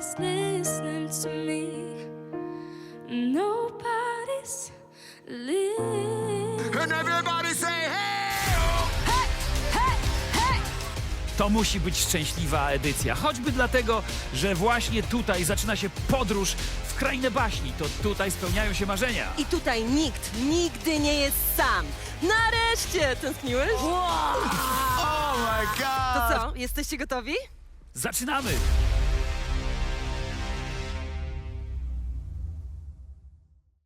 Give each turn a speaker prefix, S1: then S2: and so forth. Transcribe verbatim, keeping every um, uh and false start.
S1: Nobody's listening to me. Nobody's listening.
S2: And everybody say hey!
S1: Hey, hey, hey!
S3: To musi być szczęśliwa edycja, choćby dlatego, że właśnie tutaj zaczyna się podróż w krainę baśni. To tutaj spełniają się marzenia.
S4: I tutaj nikt nigdy nie jest sam. Nareszcie! Tęskniłeś?
S2: Oh my
S4: To
S2: god!
S4: co, jesteście gotowi?
S3: Zaczynamy!